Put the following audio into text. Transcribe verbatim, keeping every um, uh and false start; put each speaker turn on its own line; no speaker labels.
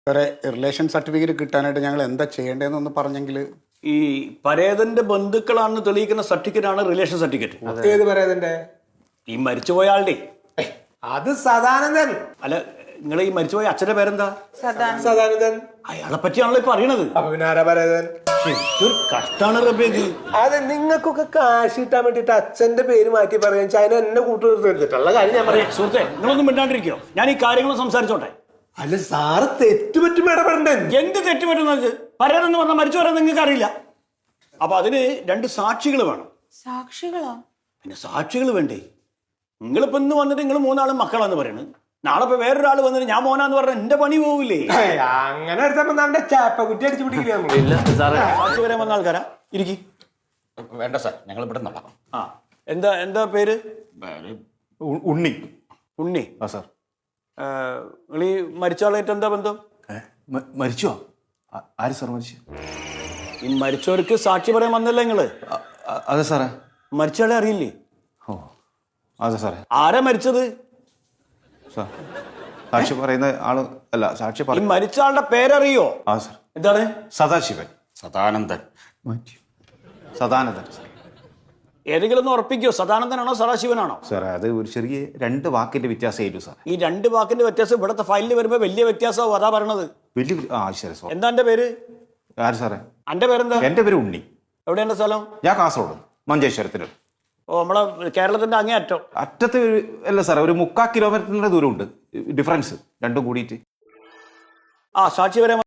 സാറേ relation certificate കിട്ടാനായിട്ട് ഞങ്ങൾ എന്താ ചെയ്യേണ്ടതെന്നൊന്ന് പറഞ്ഞെങ്കിൽ.
ഈ പരേതന്റെ ബന്ധുക്കളാണെന്ന് തെളിയിക്കുന്ന സർട്ടിഫിക്കറ്റ് ആണ് റിലേഷൻ സർട്ടിഫിക്കറ്റ്.
ഏത് പരേതന്റെ?
ഈ മരിച്ചുപോയ ആളുടെ.
അത് സദാനന്ദൻ.
അല്ല, നിങ്ങളെ ഈ മരിച്ചുപോയ അച്ഛന്റെ പേരെന്താ?
സദാനന്ദൻ.
അയാളെ പറ്റിയാണല്ലോ ഇപ്പൊ അറിയണത്.
അപ്പൊ പിന്നെ ആരാ പരേതൻ?
ഒരു കഷ്ടാണ് റബ്ബേക്ക്.
അതെ, നിങ്ങൾക്കൊക്കെ കാശ് കിട്ടാൻ വേണ്ടിട്ട് അച്ഛന്റെ പേര് മാറ്റി പറയാൻ ചൈന എന്നെ കൂട്ടുകൊടുത്തിട്ടുള്ള കാര്യം ഞാൻ പറയാം.
സുഹൃത്തെ, നിങ്ങളൊന്നും മിണ്ടാണ്ടിരിക്കോ? ഞാൻ ഈ കാര്യങ്ങൾ സംസാരിച്ചോട്ടെ.
അല്ല സാറ് തെറ്റുപറ്റും ഇടപെടണ്ടേ?
എന്ത് തെറ്റുപറ്റുന്നത്? പരേതെന്ന് പറഞ്ഞാൽ മരിച്ചുപോരാൻ നിങ്ങൾക്ക് അറിയില്ല. അപ്പൊ അതിന് രണ്ട് സാക്ഷികൾ വേണം.
സാക്ഷികളോ?
പിന്നെ സാക്ഷികൾ വേണ്ടേ? നിങ്ങളിപ്പോ ഇന്ന് വന്നിട്ട് നിങ്ങൾ മൂന്നാളും മക്കളാന്ന് പറയണ്. നാളെ ഇപ്പൊ വേറൊരാൾ വന്നിട്ട് ഞാൻ മോനാന്ന് പറഞ്ഞാൽ എന്റെ പണി പോവില്ലേ?
അങ്ങനെ എടുത്തപ്പോ നമ്മുടെ ചാപ്പക്കുറ്റി അടിച്ചു പിടിക്കില്ല.
സാക്ഷി വരാൻ വന്ന ആൾക്കാരാ? ഇരിക്കി.
വേണ്ട സാർ, ഞങ്ങൾ ഇവിടെ നിന്നോളാം.
ആ, എന്താ എന്താ പേര്?
ഉണ്ണി.
ഉണ്ണി.
ആ സാർ.
നിങ്ങൾ ഈ മരിച്ച ആളായിട്ട് എന്താ ബന്ധം?
മരിച്ചോ? ആര് സാർ മരിച്ചു?
ഈ മരിച്ചവർക്ക് സാക്ഷി പറയാൻ വന്നല്ലേ നിങ്ങള്?
അതെ സാറേ.
മരിച്ചയാളെ അറിയില്ലേ?
ഓ അതെ സാറേ.
ആരാ മരിച്ചത്?
സാർ സാക്ഷി പറയുന്ന ആള് അല്ല, സാക്ഷി
ഈ
പറ
മരിച്ച ആളുടെ പേരറിയോ?
ആ സാർ.
എന്താണ്?
സദാശിവൻ.
സദാനന്ദൻ.
സദാനന്ദൻ.
ഏതെങ്കിലും ഒന്ന് ഉറപ്പിക്കോ? സദാനന്ദനാണോ സദാശിവനാണോ?
സാറേ അത് ഒരു ചെറിയ രണ്ട് വാക്കിന്റെ വ്യത്യാസമായിരുന്നു സാർ.
ഈ രണ്ട് വാക്കിന്റെ വ്യത്യാസം ഇവിടുത്തെ ഫയലിൽ വരുമ്പോ വലിയ വ്യത്യാസമാവും. അതാ പറയണത്.
വലിയ ആ ശരി സാർ.
എന്താ എന്റെ പേര്?
ആര് സാറേ?
എന്റെ പേരെന്താ?
എന്റെ പേര് ഉണ്ണി.
എവിടെയാണ് സ്ഥലം?
ഞാൻ കാസർഗോഡ് മഞ്ചേശ്വരത്തിന്.
ഓ, നമ്മളെ കേരളത്തിന്റെ അങ്ങേ അറ്റം.
അറ്റത്ത് ഒരു- അല്ല സാറേ, ഒരു മുക്കാൽ കിലോമീറ്ററിന്റെ ദൂരമുണ്ട് ഡിഫറൻസ് രണ്ടും കൂടിയിട്ട്.
ആ, സാക്ഷി വരാൻ